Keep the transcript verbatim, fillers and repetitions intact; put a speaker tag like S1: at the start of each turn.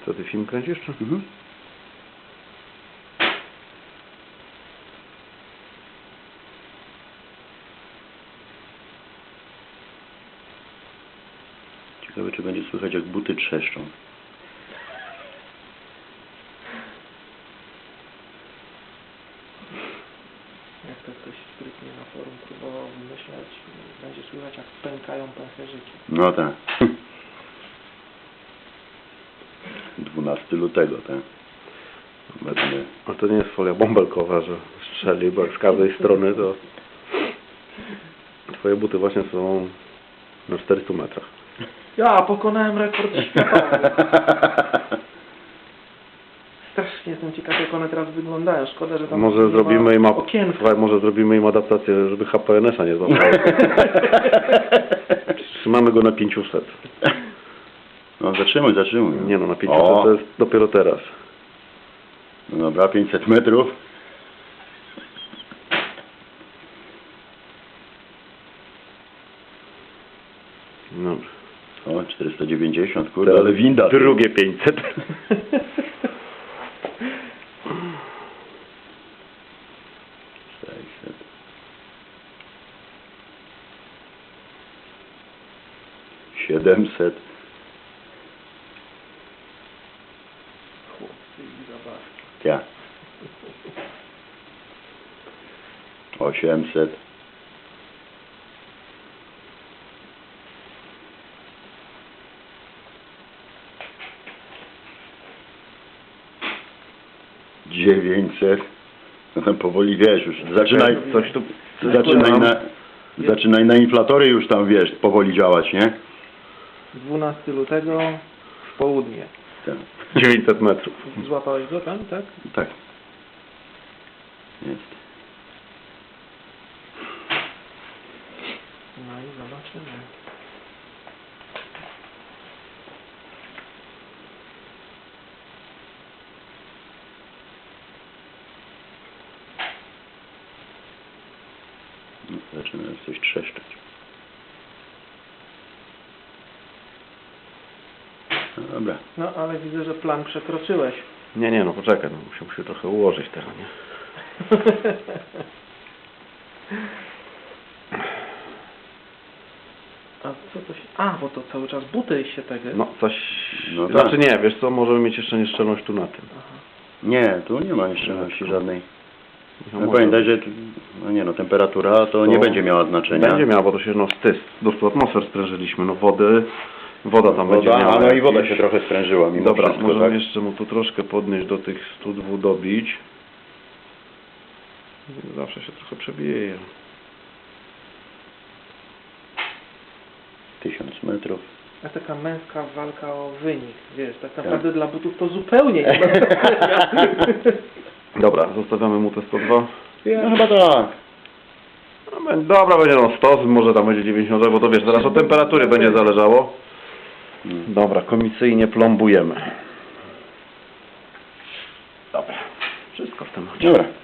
S1: Co, ty film kręcisz? Czy?
S2: Mhm. Ciekawe, czy będzie słychać, jak buty trzeszczą.
S3: Jak to ktoś sprytnie na forum próbował wymyślać, będzie słychać, jak pękają pęcherzyki.
S2: No tak. dwunastego lutego, tak? Będę...
S1: A to nie jest folia bąbelkowa, że strzeli, bo jak z każdej strony to... Twoje buty właśnie są na czterystu metrach.
S3: Ja pokonałem rekord światowy. Strasznie jestem ciekaw, jak one teraz wyglądają. Szkoda, że tam
S1: Może
S3: nie
S1: zrobimy
S3: ma
S1: im,
S3: okienka.
S1: słuchaj, może zrobimy im adaptację, żeby H P N S a nie złapało. Trzymamy go na pięciuset.
S2: No zatrzymuj, zatrzymuj.
S1: Nie no, na pięciuset
S2: O.
S1: to jest dopiero teraz.
S2: No dobra, pięćset metrów.
S1: Dobrze.
S2: O, czterysta dziewięćdziesiąt, kurde, ale winda.
S1: Drugie pięćset.
S2: sześćset. siedemset.
S3: Chłopcy i zabawki.
S2: Ja. osiemset. dziewięćset. No tam powoli, wiesz, już zaczynaj,
S1: Coś tu...
S2: zaczynaj na, zaczynaj na inflatory już tam, wiesz, powoli działać, nie?
S3: dwunastego lutego w południe.
S2: Tak.
S1: dziewięćset metrów.
S3: Złapałeś go tam, tak?
S2: Tak. Jest.
S3: No i zobaczymy.
S2: No, zaczyna już coś trzeszczeć. No dobra.
S3: No ale widzę, że plan przekroczyłeś.
S1: Nie, nie, no poczekaj, no musiał się trochę ułożyć teraz, nie?
S3: A co to się... A, bo to cały czas buty się tego...
S1: No coś...
S2: No tak.
S1: Znaczy nie, wiesz co, możemy mieć jeszcze nieszczelność tu na tym.
S3: Aha.
S2: Nie, tu nie ma nieszczelności żadnej.
S1: No,
S2: No
S1: może
S2: pamiętaj, że tu, no nie no, temperatura to nie będzie miała znaczenia.
S1: Będzie miała, bo to się no stys. Do stu atmosfer sprężyliśmy, no wody... Woda tam
S2: Woda,
S1: będzie miała.
S2: a no i woda
S1: jakieś-
S2: się trochę sprężyła mimo
S1: Dobra,
S2: wszystko,
S1: możemy
S2: tak?
S1: jeszcze mu tu troszkę podnieść do tych stu dwóch dobić. Zawsze się trochę przebije.
S2: tysiąc metrów.
S3: A taka męska walka o wynik, wiesz, tak naprawdę dla butów to zupełnie nie ma znaczenia.
S1: Dobra, zostawiamy mu te sto dwa.
S2: No chyba tak.
S1: No, bę- dobra, będzie no sto, może tam będzie dziewięćdziesiąt, bo to wiesz, zaraz od temperatury będzie zależało.
S2: Hmm.
S1: Dobra, komisyjnie plombujemy. Dobra, wszystko w tym.
S2: Dobra.